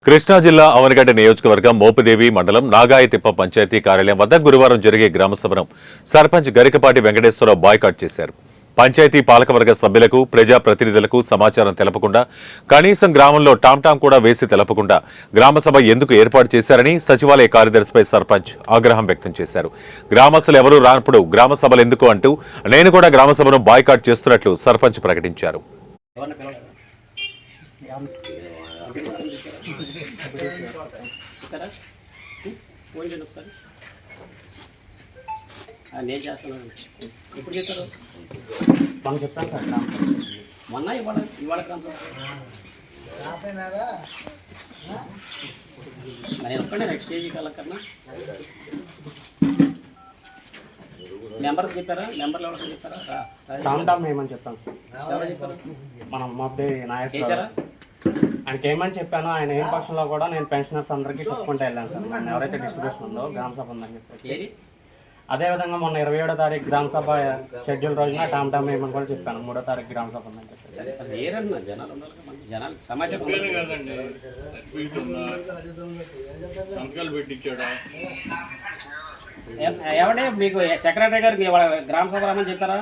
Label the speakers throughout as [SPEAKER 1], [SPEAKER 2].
[SPEAKER 1] కృష్ణా జిల్లా అవనగడ్డ నియోజకవర్గం మోపిదేవి మండలం నాగాయతిప్ప పంచాయతీ కార్యాలయం వద్ద గురువారం జరిగే గ్రామ సభను సర్పంచ్ గరికపాటి వెంకటేశ్వరరావు బాయ్కాట్ చేశారు. పంచాయతీ పాలకవర్గ సభ్యులకు ప్రజాప్రతినిధులకు సమాచారం తెలపకుండా కనీసం గ్రామంలో టాంటాం కూడా వేసి తెలపకుండా గ్రామసభ ఎందుకు ఏర్పాటు చేశారని సచివాలయ కార్యదర్శిపై సర్పంచ్ ఆగ్రహం వ్యక్తం చేశారు. గ్రామస్తులు ఎవరూ రానప్పుడు గ్రామ సభలు ఎందుకు అంటూ నేను కూడా గ్రామసభను బాయ్కాట్ చేస్తున్నట్లు సర్పంచ్ ప్రకటించారు.
[SPEAKER 2] నేను చేస్తున్నాను. ఎప్పుడు చెప్తారు? మనం చెప్తాను సార్. మొన్న ఇవాళ నేను ఒక్కడే నెక్స్ట్ స్టేజ్కి వెళ్ళకన్నా నెంబర్కి చెప్పారా? నెంబర్లు ఎవరికి చెప్పారా?
[SPEAKER 3] టామ్ ఏమని చెప్తాను సార్.
[SPEAKER 2] ఎవరు చెప్పారు?
[SPEAKER 3] మనం మొబ్బే నాయక్
[SPEAKER 2] చేశారా?
[SPEAKER 3] ఆయనకి ఏమని చెప్పాను, ఆయన ఏం పక్షంలో కూడా నేను పెన్షనర్స్ అందరికీ చెప్పుకుంటూ వెళ్ళాను సార్. మొన్న ఎవరైతే డిస్ట్రిబ్యూషన్ ఉందో గ్రామ సభ ఉందని చెప్పేసి. అదేవిధంగా మొన్న 27వ తారీఖు గ్రామ సభ షెడ్యూల్ రోజున టామ్ ఏమని కూడా చెప్పాను. 3వ తారీఖు గ్రామ సభ ఉందని చెప్పేసి.
[SPEAKER 2] జనాలు జనాలకి సమాచారం
[SPEAKER 4] కదండి.
[SPEAKER 2] ఎవడే మీకు సెక్రటరీ గారికి ఇవాళ గ్రామ సభ రమ్మని చెప్పారా?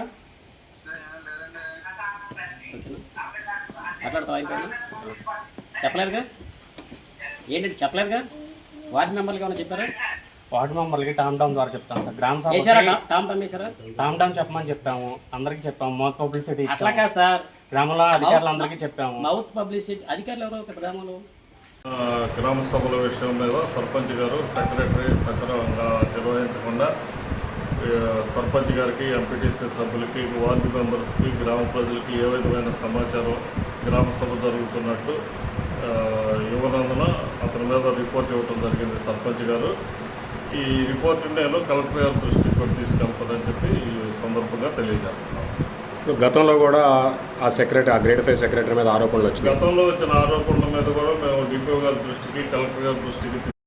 [SPEAKER 2] మాట్లాడతావా? అయిపోయింది. చెప్పలేదుగా? ఏంటంటే చెప్పలేదుగా? వార్డు మెంబర్లకి ఏమైనా చెప్పారా?
[SPEAKER 3] వార్డు మెంబర్లకి టామ్ ద్వారా చెప్తాను సార్. గ్రామ సభ టామ్ చెప్పమని చెప్పాము, అందరికి చెప్పాము. మౌత్ పబ్లిసిటీ
[SPEAKER 2] అట్లా కాదు సార్,
[SPEAKER 3] గ్రామంలో అధికారులు అందరికీ చెప్పాము.
[SPEAKER 2] మౌత్ పబ్లిసిటీ అధికారులు ఎవరో గ్రామంలో
[SPEAKER 4] గ్రామ సభల విషయం మీద సర్పంచ్ గారు సెక్రటరీ సక్రమంగా నిర్వహించకుండా సర్పంచ్ గారికి, ఎంపీటీసీ సభ్యులకి, వార్డు మెంబర్స్కి, గ్రామ ప్రజలకి ఏ విధమైన సమాచారం గ్రామ సభ జరుగుతున్నట్టు ఇవ్వనందున అతని మీద రిపోర్ట్ ఇవ్వడం జరిగింది సర్పంచ్ గారు. ఈ రిపోర్ట్ నేను కలెక్టర్ గారి దృష్టికి కూడా తీసుకెళ్తానని చెప్పి ఈ సందర్భంగా తెలియజేస్తున్నాను.
[SPEAKER 5] గతంలో కూడా ఆ గ్రేడ్ 5 సెక్రటరీ మీద ఆరోపణలు వచ్చాయి.
[SPEAKER 4] గతంలో వచ్చిన ఆరోపణల మీద కూడా మేము డిపిఓ గారి దృష్టికి, కలెక్టర్ గారి దృష్టికి